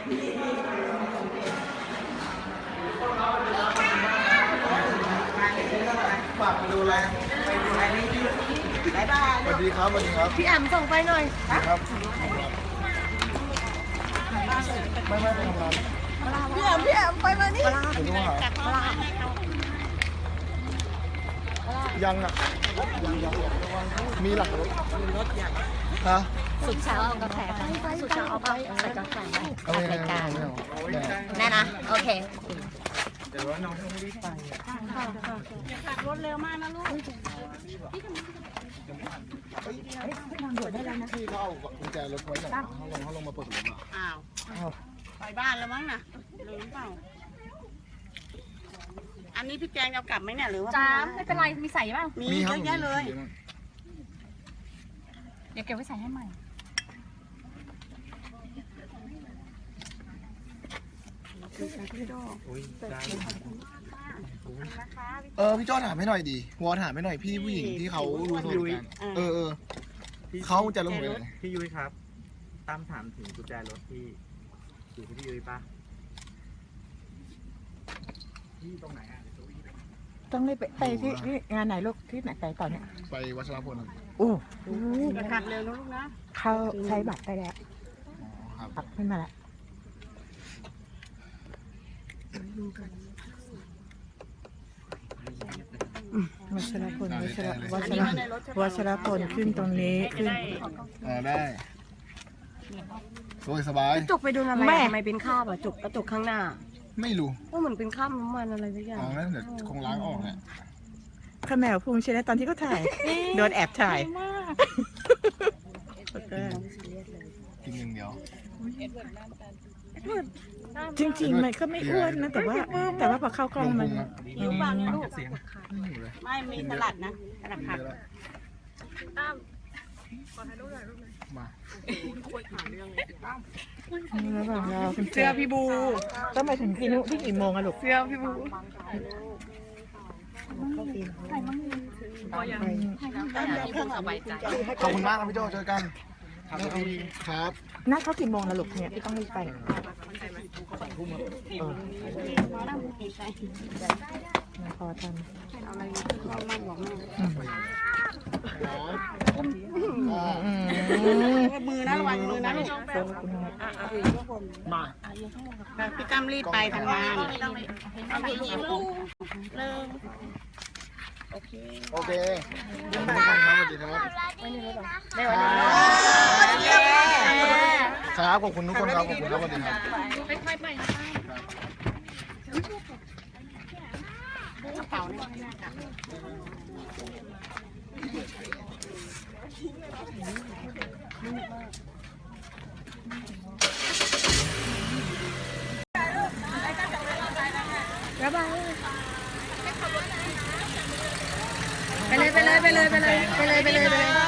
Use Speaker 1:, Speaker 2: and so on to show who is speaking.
Speaker 1: ฝากไปดูแลสวัสดีครับสวัสดีครับ
Speaker 2: พี่แอมส่งไปหน่อย
Speaker 1: ครับไม่ไปทำงาน
Speaker 2: พี่แอมไปมานี่
Speaker 1: ยังอ่ะยังมีหลักรถฮะ
Speaker 2: สุดเช้าเอากาแฟไปสุดเช้าเอาใส่กาแฟไปอัดรายการแน่นะโอเค
Speaker 1: แต่ว่าน้องต้องรีบไป
Speaker 2: อย่าขับรถเร็วมากนะลูก
Speaker 1: ทางด่วนได้แล้วนะพี่เขาเอากุญแจรถไว้หน่อยเขาลงมาเปิดรถอ่ะ
Speaker 2: อ้าวไปบ้านแล้วมั้งนะลืมเปล่าอันนี้พี่แจงจะกลับไหมเนี่ยหรือว่า
Speaker 3: จ้าไม่เป็นไรมีใส่บ้าง
Speaker 2: มีเยอะแยะเลย
Speaker 3: เดี๋ยวเก็บไว้ใส่ให้ใหม่
Speaker 1: พี่จ้อถามให้หน่อยดีวอถามให้หน่อยพี่ผู้หญิงที่เขารู้สถานการณ์เขาจะลงไป
Speaker 4: พี่ยุ้ยครับตามถามถึงกุญแจรถที่อยู่ที่พี่ยุ้ยปะที่ตรงไหนอ่ะ
Speaker 5: ต้องรีบไปที่งานไหนลูกที่ไหนไปต่อเนี่ย
Speaker 1: ไปวัชรพล
Speaker 5: โอ้
Speaker 2: ขับเร็วนะลูกนะ
Speaker 5: เขาใช้บัตรไปแล้วครับขึ้นมาแล้ววัชรพลขึ้นตรงนี้ขึ้น
Speaker 1: ได้โดยสบาย
Speaker 2: จุกไปดูอะไรทำไมเป็นข้าวอ่ะจุกกระจุกข้างหน้า
Speaker 1: ไม่รู้
Speaker 2: ว่าเหมือนเป็นข้าวน้ำมันอะไรสักอย่าง
Speaker 1: อ๋อนั่นเดี๋ยวคงล้างออกแหละ
Speaker 5: ข้าแมวภูมิใช่ไหมตอนที่เขาถ่ายโดนแอบถ่าย
Speaker 1: กินหนึ่งเดียว
Speaker 5: จริงๆมันก็ไม่อ้วนนะแต่ว่าพอเข้ากล้องมัน
Speaker 2: อยู่บ้านเนี่ยลูกไม่มีสลัดนะสลัดผัก
Speaker 1: มา
Speaker 5: ระหว่างเรา
Speaker 3: เสื้อพี่บู
Speaker 5: ต้องไปถึงที่นู้นที่กี่โมงอะลูก
Speaker 3: เสื้อพี่บู
Speaker 1: ขอบคุณมากครับพี่โจเจอกันครับ
Speaker 5: นัดเขากี่โมงละลูกเนี่ยพี่ต้องรีบไปพอทัน
Speaker 2: อะไรมั่นบอกแม่มือนะระวังมือนะลูก
Speaker 1: มา
Speaker 2: พี่ตั้มรีบไปทำงาน
Speaker 1: โอเคสวัสดีครับครับขอบคุณทุกคนครับขอบคุณครับสวัสดีครับ
Speaker 2: กระเป๋า
Speaker 3: ระบายไปเลย